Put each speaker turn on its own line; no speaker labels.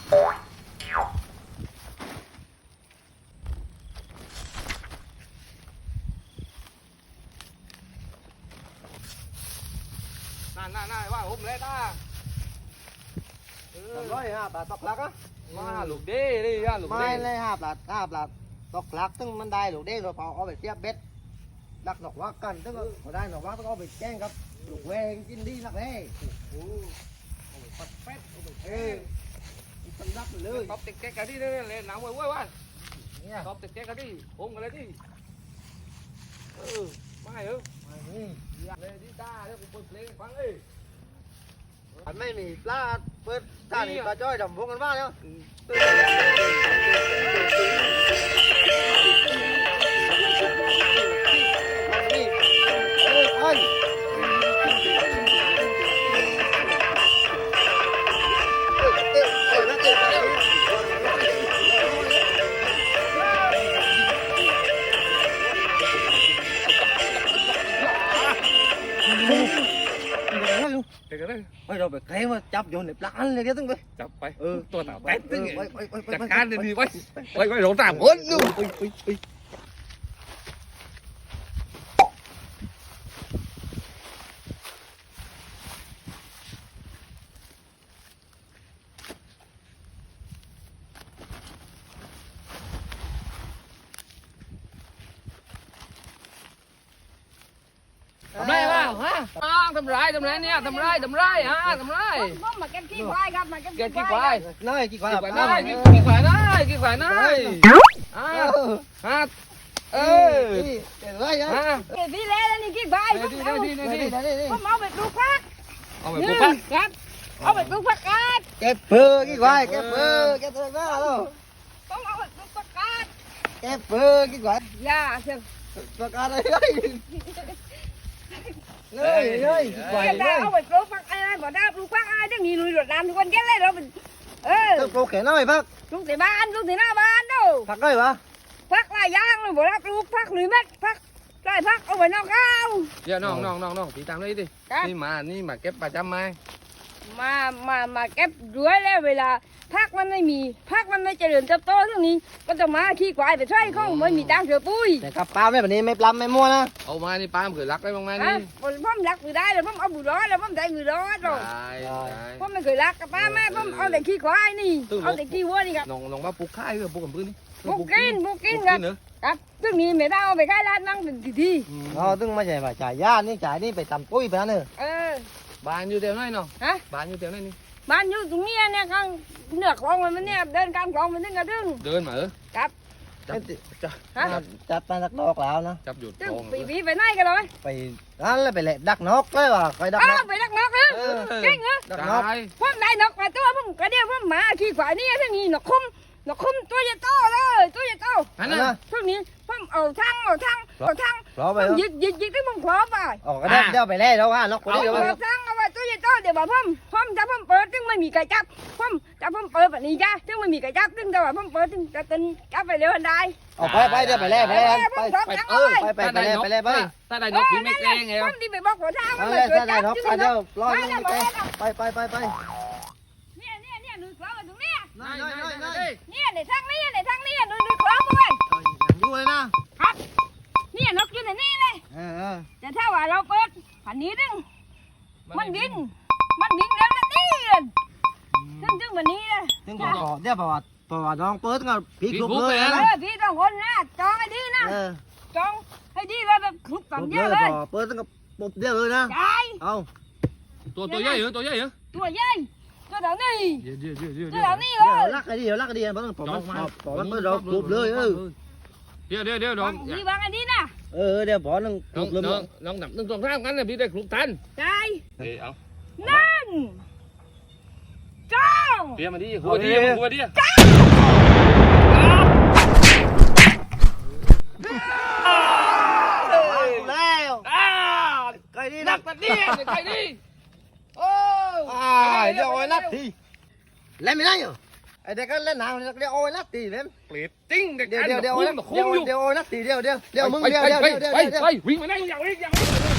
น่าว่าผมเลยตา
100 บาทตกหลักอ่ะ
มาลูกเด้ดิลูกเด้
ไม่เลย5 บาทตกหลักซึ่งมันได้ลูกเด้เราเอาไปเทียบเบ็ดดักหนอกวักกันซึ่งพอได้หนอกวักต้องเอาไปแจ้งครับลูกแวงกินดีนักเลยเอาไปปัดเป็ดเอาไปตั้งรักเลย
ตบติ๊กกันดิเลยหนาวเว้ยตบติ๊กกันดิผมกันเลยดิไม่เหรอเลยดิตาเดี๋ยวผมเปิดเพลงฟังเอ้ย
มันไม่มีปลาเปิดท่านี่ปลาจ้อยดำพวกกันบ้างแล้ว
เด็กกันเลย
ไม่เราไปแกล้งมาจับโยนในปลาเลยแกต้องไป
จับไปตัวหนาแป๊ดตึ้ง
ไป
จัดการเลยดีไว้หลงตามคนนู่นทำไรบ้างฮะทำไรเนี่ยทำไรฮะทำไร
ผมมาเก็บขี้ควายครับมาเก็บ
เกิด
ขี้
กี่
ค
ควาว
าย ย
น้อยกี่ควาย
กี่ควายฮะ
เลยอ่ะ
เก็บพี่แล้วนี่ขี้ควายผมเอาไปปลูกผัก
เอาไปปลูกผัก
ครับเอาไปปลูกผักกาด
เก็บเผือกกี่ควายเก็บเผือกมาแล้ว
ผมเอาไปปลูกผักกาด
เก็บเผือกกี่ควาย
อย่าเถอะ
ประกาศเลยเลยกี่ควาย
ได้เอาไปปลูกผักอะไรบ่ได้ปลูกผักอะไรต้องมีลุยรดน้ำทุกคนแค่เลยเราเป็น
ต้องปลูกแค่น้อยพัก
ปลูกในบ้านปลูกในหน้าบ้านดู
พักได้ปะ
ผักหลายอย่างเลยบ่ได้ปลูกผักลุยเม็ดผักได้ผักเอาไปนอกข้าว
เดี๋ยวน้องตีตามเลยดินี่มาเก็บประจำไหม
มาเก็บด้วยแล้วเวลาผักมันไม่มีผักมันไม่เจริญเติบโตทั้งนี้ก็จะมาขี้ควายไปใช้ข้องไม่มีตังค์เสือปุ้ย
แต่กับปลาไม่แบบนี้ไม่ปลาไม่มั่วนะ
เอามานี่ป้าเกิดรักได้บ้างไหม
ฮะ
นี่
ผมรักมือได้เลยผมเอาบุหรี่แล้วผมได้มือร้อนหรอกผมไม่เคยรักกับป้าแม่ผมเอาแต่ขี้ควายนี่เอาแต่ขี้วัวนี่ครับ
น้องว่าปลูกข้าวหรือปลูกกับพื้นนี่
บุกกินครับซึ่งนี่ไม่ได้เอาไปขายร้านนั่งเป็นที
อ๋อตึงไม่ใช่ว่าจ่ายย่านี่จ่ายนี่ไปทำปุ้ยไปนั่นเนอะ
บ้านอยู่เดียวไหนเนาะ
ฮะ
บ้านอยู่เดียวไหนนี่
บ้านอยู่ตรงนี้เนี่ยข้างเหนือคลองมันเนี่ยเดินข้ามคลองมันนึงกระดึง
เดินมา
ครับ
จับปลาดักนกแล้วนะ
จับหยุด
ซึ่งปีไปไหนกันเลย
ไปนั่นเลยไปแหละดักนกเลยว่ะไปดักนก
ไปดักนกเหรอเก่งเหรอ
ดักนก
ผมได้นกมาตัวผมกระเดียวผมมาขี้ขวานี่ทั้งนี้นกคุ้มตัวใหญ่โตเลยตัวใหญ่โต
อันนั้น
ทั้งนี้ผมเอาทั้ง
รอไป
ยิกที่ผมขอไป
อ๋อก็ได้เดี๋ยวไปแล้วแล้วว่านกคน
เอา
นี้เดี๋ยว
ทั้งเอาไว้ตัวใหญ่โตเดี๋ยวบอกผมจะผมเปิดถึงไม่มีใครจับผมจะผมเปิดแบบนี้จ้าถึงไม่มีใครจับถึงแต่ว่าผมเปิดถึงจะตึงจับไปเร็วทันใด
ออกไปเดี๋ยวไปแล้วไปแล้วไป
ถ้าได้นกพี่ไม่แกล้งไง
ผมที่ไปบอกหัวเท้า
เอาเลยถ้าได้นกเดี๋ยวรอไป
เนี่ยดูขวามาตรงนี้
น้อย
เนี่ยในทางนี้ดูขวาด้วย
ดูเลยนะครับ
เนี่ยนกอยู่ในนี่เลยแต่ถ้าว่าเราเปิดผันนี้ดึงมันบินเร็วนะนี่ซึ่งวันนี้นะ
ซึ่งพอเดี๋ยวพอน้องเปิดก็พีกลุกเลย
พี่ต้องคนนะจองให้ดีนะจองให้ดีเลยแบบคลุกต่ำเยอะเลย
เปิดก็ปุบเดียวเลยนะ
ใช่
เอา
ตัวใหญ่เหรอตัวใหญ่เหรอ
ตัวใหญ่ตัวเท่านี้
เดี๋ยว
ตัวเท่านี้เลย
ลักไอ้ดีมันต้องผมมันเราปุบเลย
เดี๋ยวน้อง
พี่วางอันนี้นะ
เดี๋ยวพอนึงปุบเลย
น้องหนับ1 2 3งั้นเลยพี่ได้คลุกทัน
ใช่
เอา
นั่นจ้อง
เดี๋ยวมาดิหัวดิ
แล้วไก่ดี
นั
นั
ก
ก
ตัดนี่ไก่นี่โอ้
เดี๋ยวโอ้ยนักทีเล่นไม่ได้เหรอไอเด็กก็เล่นหนังเดี๋ยวโอ้ยนักทีเล่น
เปลี่ยนติ้งเด็ก
เดี๋ยวโอ้ยนักทีเดี๋ยวมึงเดี๋ยว
ไปวิ่งมาได้อย่าวิ่ง